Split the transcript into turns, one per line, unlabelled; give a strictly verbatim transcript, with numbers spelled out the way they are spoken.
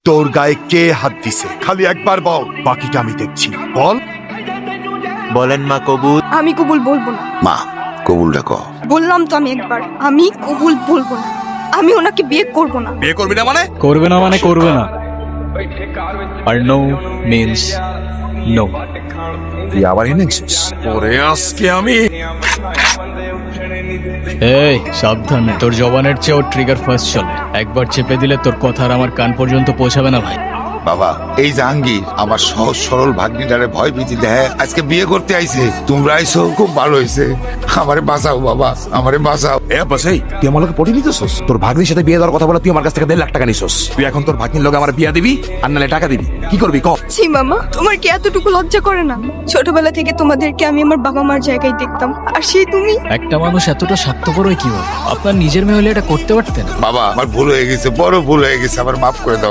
তোর গায়ে কে হাত দিছে? খালি একবার বল, বাকিটা আমি দেখছি। বল।
বলেন মা কবুল।
আমি কবুল বলবো না।
মা কবুলটা ক।
বললাম তো আমি একবার, আমি কবুল বলবো না। আমি ওনাকে বিয়ে করব না।
বিয়ে করবি না মানে?
করবে না মানে করবে না, আর নো মিন্স নো।
তুই আবার এনেছিস?
ওরে আজকে আমি
এই সাবধানে, তোর জবানের চেয়েও ট্রিগার ফার্স্ট চলে। একবার চেপে দিলে তোর কথা আর আমার কান পর্যন্ত পৌঁছাবে না ভাই।
বাবা, এই জাহাঙ্গীর আমার সহজ সরল ভাগ্নিটারে ভয় ভীতি দেয় আজকে বিয়ে করতে আইছে। তোমরা আইছো খুব ভালো হয়েছে। আমারে বাঁচাও বাবা, আমারে বাঁচাও।
এ বাসাই, তুই আমার লোকে পটি নিতেছস? তোর ভাগ্নির সাথে বিয়ে দেওয়ার কথা বলে তুই আমার কাছ থেকে দেড় লাখ টাকা নিছস। তুই এখন তোর ভাগ্নির লোকে আমার বিয়া দিবি আর নালে টাকা দিবি, কি করবি ক?
ছি মামা, তোমার কি এতটুকু লজ্জা করে না? ছোটবেলা থেকে তোমাদেরকে আমি আমার বাবা মার জায়গায় দেখতাম, আর সেই তুমি।
একটা মানুষ এতটা স্বার্থপর হয় কিভাবে? আপনার নিজের মেয়ে হলে এটা করতে পারতেন।
বাবা আমার ভুল হয়ে গেছে, বড় ভুল হয়ে গেছে, আমার মাফ করে দাও